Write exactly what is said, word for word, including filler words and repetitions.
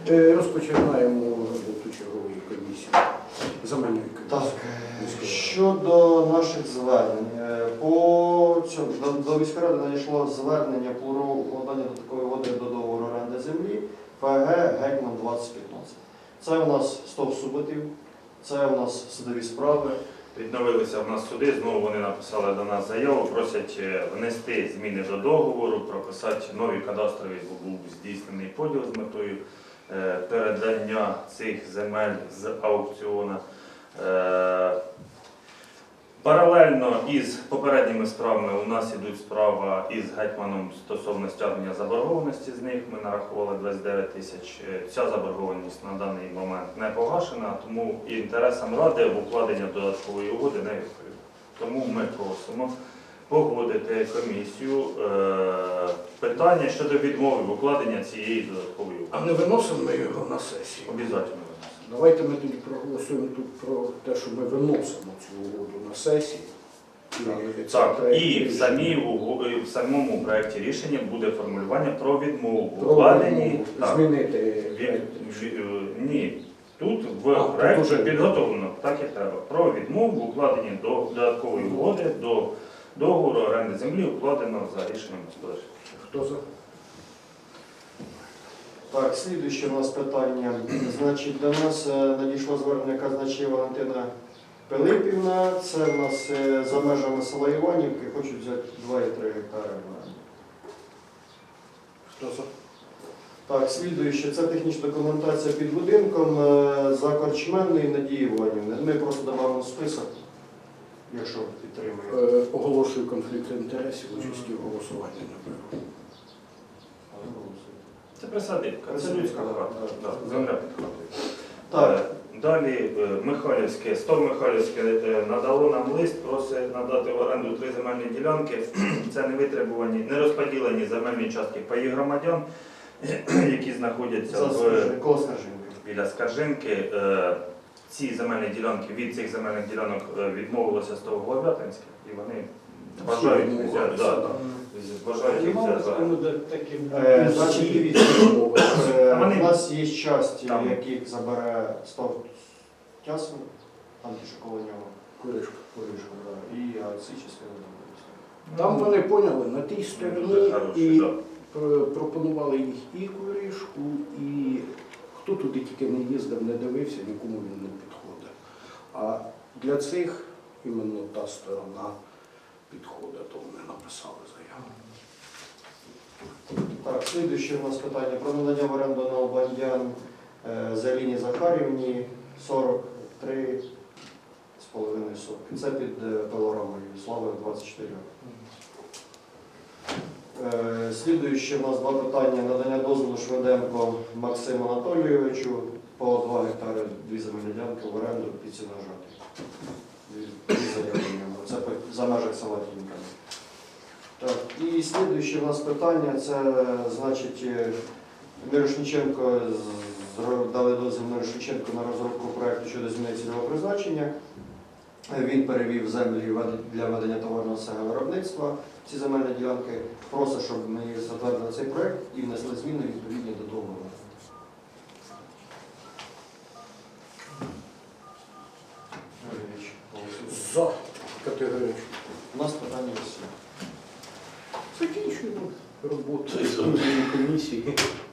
Е, Розпочинаємо роботу чергової комісії, земельної Так, комісії. щодо наших звернень. Е, По цьому, до, до міської ради надійшло звернення про укладання додаткової угоди до договору оренди землі ФГ Гетьман двадцять п'ятнадцять. Це у нас сто суботів, це у нас судові справи. Відновилися в нас суди, знову вони написали до нас заяву, просять внести зміни до договору, прописати нові кадастрові, бо був здійснений поділ з метою е, передання цих земель з аукціону. Е, Паралельно із попередніми справами у нас ідуть справа із гетьманом стосовно стягнення заборгованості з них. Ми нарахували двадцять дев'ять тисяч. Ця заборгованість на даний момент не погашена, тому інтересам ради в укладення додаткової угоди не відповідає. Тому ми просимо погодити комісію е, питання щодо відмови в укладення цієї додаткової угоди. А не виносимо ми його на сесію? Обов'язково. Давайте ми тоді проголосуємо тут про те, що ми виносимо цю угоду на сесії. І це Так, проект і в, рішення. самій, уго- і в самому проєкті рішення буде формулювання про відмову в Про укладенні. відмову. Так, Змінити від- проект від- рішення. е, ні, тут в А, тут проєкті уже. підготовлено, так як треба, про відмову в укладенні до додаткової угоди до договору оренди землі, укладено за рішенням господарства. Хто за? Так, слідуюче у нас питання. Значить, до нас е, надійшло звернення казначея Валентина Пилипівна. Це в нас е, за межами села Іванівки, хочуть взяти два і три гектари в оренду. Хто за? Так, слідуюче, це технічна документація під будинком е, за Корчменної Надії Іванівни. Ми просто додамо список, якщо підтримує. Е, Оголошую конфлікт інтересів, участі в голосуванні, напевно. Це присадибка, це людська хата, Так. да, земля під хатою. Так, Е, Далі е, Михайлівське, Стор Михайлівське е, надало нам лист, просить надати в оренду три земельні ділянки. Це не витребувані, не розподілені земельні частки паї громадян, які знаходяться за в, Скаржин- коло Скаржинки. біля Скаржинки. Е, Ці земельні ділянки, від цих земельних ділянок е, відмовилося Стовголов'ятинське, і вони бажають Всі взяти, відмовилися, да, да. бажають їх взяти. за оренду. Е, Значить, дивіться, е, А вони- у нас є часті, Там. яких забере сто часу, там ті, що коло нього, Куришка. Куришка, да, і а ці частини заберуться. Там вони поняли, на тій Дуже стороні хороші, і да. пр- пропонували їх і Куришку, і хто туди тільки не їздив, не дивився, нікому він не підходить. А для цих іменно та сторона підходить, то вони написали заяву. Так, слідуюче у нас питання про надання в оренду на Обандян е, Заліні Захарівні сорок три з половиною сотки. Це під е, пилорамою Слави двадцять чотири. Е, Слідуюче у нас два питання. Надання дозволу Шведенко Максиму Анатолійовичу по два гектари, дві земельні ділянки в оренду під Сіножати. Дві дві заяви в ньому. Це по- за межах села Тінка. Так, і слідуюче у нас питання, це, значить, е, Мирошниченко, з- зро- дали дозвіл Мирошниченко на розробку проєкту щодо зміни цільового призначення. Е, Він перевів землі вед- для ведення товарного виробництва. Ці земельні ділянки просить, щоб ми затвердили цей проєкт і внесли зміни відповідні до договору. Юрійович, голосуємо. За категорично. У нас питання є всі. Закінчуємо роботу з комісії.